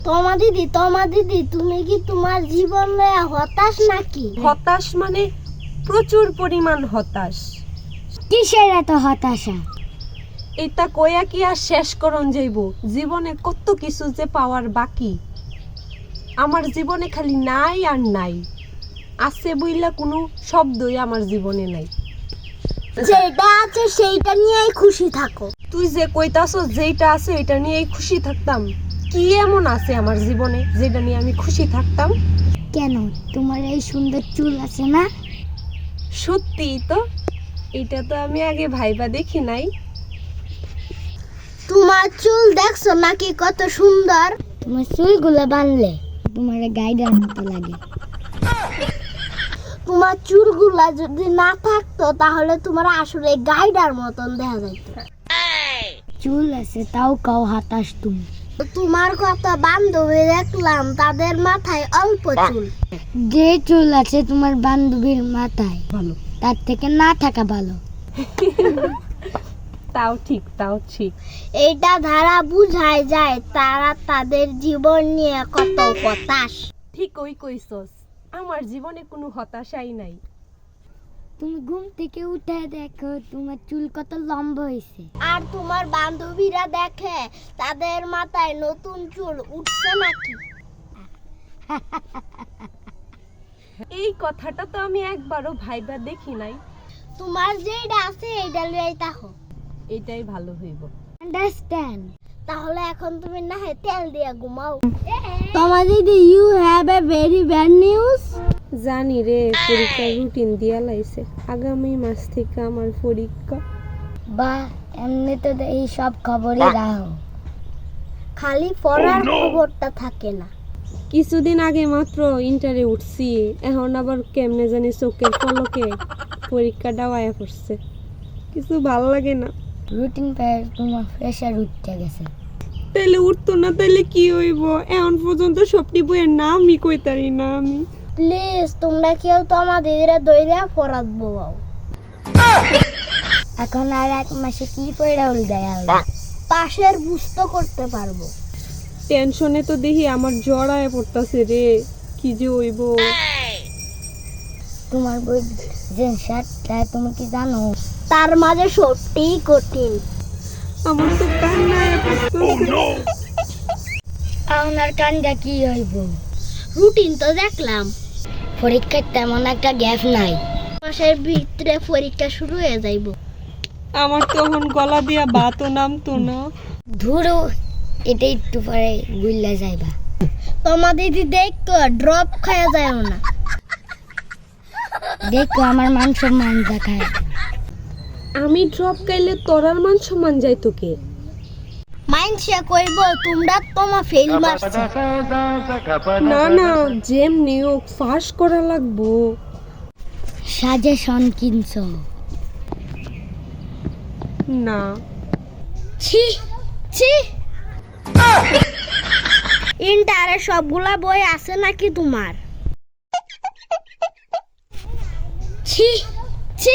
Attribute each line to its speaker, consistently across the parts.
Speaker 1: তোমা দিদি তুমি কি তোমার জীবনে হতাশ নাকি?
Speaker 2: হতাশ মানে প্রচুর পরিমাণ হতাশ।
Speaker 1: কিসের এত হতাশা?
Speaker 2: এটা কইয়া কি আর শেষ করন যাইব? জীবনে কত কিছু যে পাওয়ার বাকি। আমার জীবনে খালি নাই আর নাই, আছে বইলা কোনো শব্দই আমার জীবনে নাই।
Speaker 1: যেটা আছে সেইটা নিয়েই খুশি থাকো।
Speaker 2: তুই যে কইতাছ যেটা আছে এটা নিয়েই খুশি থাকতাম, কি এমন আছে আমার জীবনে যেটা নিয়ে আমি খুশি থাকতাম?
Speaker 1: কেন, তোমার এই সুন্দর চুল আছে না?
Speaker 2: সত্যিই তো, এটা তো আমি আগে ভাইবা দেখি নাই।
Speaker 1: তোমার চুল দেখছো নাকি কত সুন্দর? তোমার চুলগুলো বানলে তোমার গাইডার মতো লাগে। তোমার চুলগুলা যদি না থাকতো তাহলে তোমার আসলে গাইডার মতন দেখা যাইত। চুল আছে তাও কাও হতাশ তুমি। তোমার কত বান্ধবী দেখলাম তাদের মাথায় অল্প চুল। যে চুল আছে তোমার বান্ধবীর মাথায়
Speaker 2: ভালো,
Speaker 1: তার থেকে না থাকা ভালো।
Speaker 2: তাও ঠিক, তাও ঠিক।
Speaker 1: এইটা ধারা বুঝায় যায় তারা তাদের জীবন নিয়ে কত হতাশ।
Speaker 2: ঠিক ওই কইছস, আমার জীবনে কোনো হতাশাই নাই।
Speaker 1: তুমি ঘুম থেকে উঠে দেখো তোমার চুল কত লম্বা হয়েছে, আর তোমার বান্ধবীরা দেখে তাদের মাথায় নতুন চুল উঠছে নাকি।
Speaker 2: এই কথাটা তো আমি একবারও ভাইবা দেখি নাই।
Speaker 1: তোমার যেটা আছে এইটা লইয়াই তাহো,
Speaker 2: এটাই ভালো হইব।
Speaker 1: আন্ডারস্ট্যান্ড? তাহলে এখন তুমি না হয় তেল দিয়া ঘুমাও। তোমার দিদি, you have a very bad news.
Speaker 2: জানি রে, পরীক্ষার রুটিন দিয়া লাইছে, আগামী মাস থেকে আমার পরীক্ষা।
Speaker 1: বা এমনি তো এই সব খবরই রাখো, খালি পড়ার খবরটা থাকে না।
Speaker 2: কিছুদিন আগে মাত্র ইন্টারে উঠছি, এখন আবার কেমনে জানি চোখের পলকে পরীক্ষাটাও আয়া পড়ছে, কিছু ভালো লাগে না।
Speaker 1: রুটিন পেয়ে তোমার প্রেশার উঠতে গেছে।
Speaker 2: তাইলে উঠতো না, তাইলে কি হইব? এখন পর্যন্ত সবটি বইয়ের নামই কইতারি না আমি।
Speaker 1: প্লিজ তোমরা কেউ তো আমাদের দইরা পড়াবো। এখন আর এক মাসে কি পড়া হল দেয়, পাশের বুঝতে করতে পারবো।
Speaker 2: টেনশনে তো দেখি আমার জ্বর আয়া পড়তাছে রে, কি যে হইব।
Speaker 1: তোমার বই যে শার্টটা তুমি কি জানো তার মাঝে সত্যিই কঠিন।
Speaker 2: আমার তো কান্না আয়া পড়তাছে।
Speaker 1: আপনার কানটা কি হইব? রুটিন তো দেখলাম, পরীক্ষার তেমন একটা গ্যাপ নাই, মাসের ভিতরে পরীক্ষা শুরু হয়ে যাইব।
Speaker 2: আমার তখন গলা দিয়া বাতও নামতো না।
Speaker 1: ধুরো, এটা একটু পরে গুল্লা যাইবা। তোমার দিদি দেখো ড্রপ খাওয়া যায় না, দেখো আমার মান সম্মান দেখায়।
Speaker 2: আমি ড্রপ গাইলে তোরার মান সম্মান যাইতো কে?
Speaker 1: মাইনসে কইব তোমরা তোমা ফেল মারছো।
Speaker 2: না না, যেমনি হোক ফাঁস করা লাগবো।
Speaker 1: সাজেশন কিনছো?
Speaker 2: না।
Speaker 1: ছি ছি, ইন্টারে সবগুলা বই আছে নাকি তোমার? ছি ছি।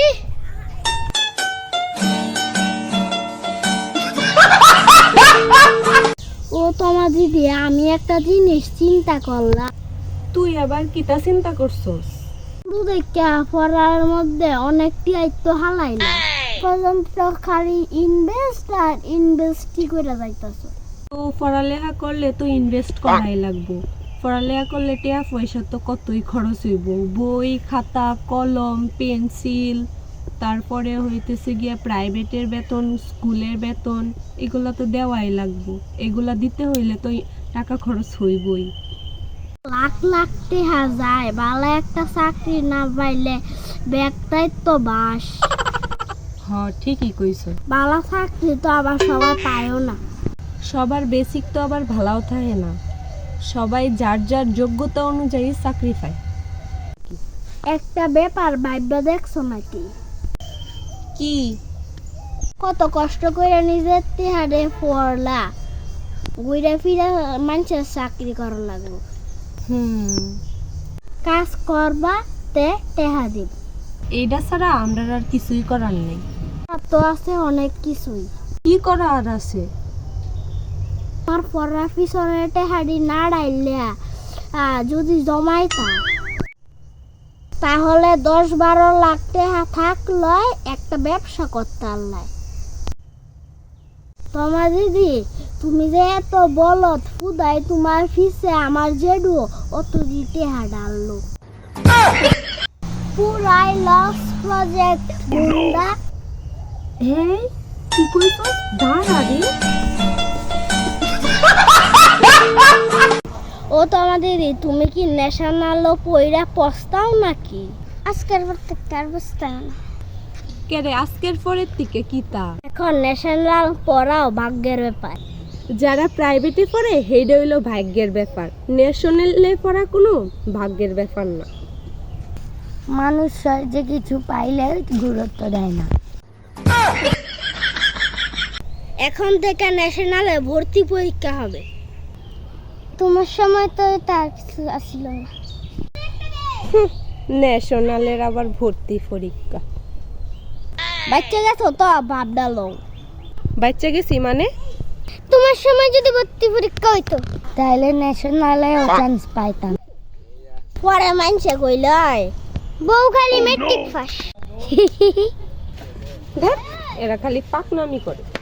Speaker 1: ও তোমার দিদি, আমি একটা জিনিস চিন্তা করলাম।
Speaker 2: তুই আবার কিতা চিন্তা করছস?
Speaker 1: শুধু দেখা পড়ার মধ্যে অনেকটি আইতো হালাইলা, পর্যন্ত খালি ইনভেস্ট আর ইনভেস্টই করে যাইতাছো।
Speaker 2: তো পড়ালেখা করলে তো ইনভেস্ট করাই লাগবো। পড়ালেখা করলে টাকা পয়সা তো কতই খরচ হইব, বই খাতা কলম পেন্সিল, তারপরে হইতেছে গিয়া প্রাইভেটের বেতন স্কুলের বেতন, এগুলা তো দেওয়াই লাগবো। এগুলা দিতে হইলে তো টাকা খরচ হইবই।
Speaker 1: লাখ লাখ টাকা যায়, ভালো একটা চাকরি না পাইলে ব্যাগটাই তো বাস।
Speaker 2: হ্যাঁ ঠিকই কইছো।
Speaker 1: ভালো চাকরি তো আবার সবাই পায়ও না।
Speaker 2: সবার বেসিক তো আবার ভালোও থাকে না, সবাই যার যার যোগ্যতা অনুযায়ী চাকরি পায়।
Speaker 1: একটা ব্যাপার ভাইবা দেখছো নাকি?
Speaker 2: কি?
Speaker 1: কত কষ্ট করে নিজের তেহারে পড়লা, ঘুরে ফিরে মানুষের চাকরি করা লাগলো। কাজ করবা তে টেহা দিব,
Speaker 2: এইটা ছাড়া আমরা আর কিছুই করার নেই।
Speaker 1: তো আছে অনেক কিছুই।
Speaker 2: কি করা আর আছে?
Speaker 1: আমার পড়া পিছনে টেহারি না ডাইলে যদি জমাইতা তাহলে 10-12 লাখ টাকা থাকলে একটা ব্যবসা করতে আল্লাহ। তোমার দিদি তুমি যে এত বলত ফুদাই তোমার ফিসে আমার জেডু অত টেহা ডাললো পুরাই লস প্রজেক্ট গুন্ডা।
Speaker 2: এই কি কইছস? দাঁড়া রে।
Speaker 1: ও তোমার দিদি তুমি কি ন্যাশনাল পয়রা পস্তাও নাকি? আজকের প্রত্যেকটার পস্তাও না।
Speaker 2: কে রে আজকের পরের থেকে কিতা?
Speaker 1: এখন ন্যাশনাল পড়াও ভাগ্যের ব্যাপার।
Speaker 2: যারা প্রাইভেটে পড়ে হেইডা হইলো ভাগ্যের ব্যাপার, ন্যাশনালে পড়া কোনো ভাগ্যের ব্যাপার না।
Speaker 1: মানুষ যে কিছু পাইলে গুরুত্ব দেয় না। এখন থেকে ন্যাশনালে ভর্তি পরীক্ষা হবে। তোমার সময় তো তার কিছু আসিল না।
Speaker 2: ন্যাশনালের আবার ভর্তি পরীক্ষা।
Speaker 1: বাচ্চা গেছো তো ভাব ডালো।
Speaker 2: বাচ্চা গেছি মানে?
Speaker 1: তোমার সময় যদি ভর্তি পরীক্ষা হইতো তাহলে ন্যাশনালেও চান্স পাইতাম। পরে মানছে কইলাই বউ খালি মেট্রিক পাস।
Speaker 2: দেখ এরা খালি পাকনামি করে।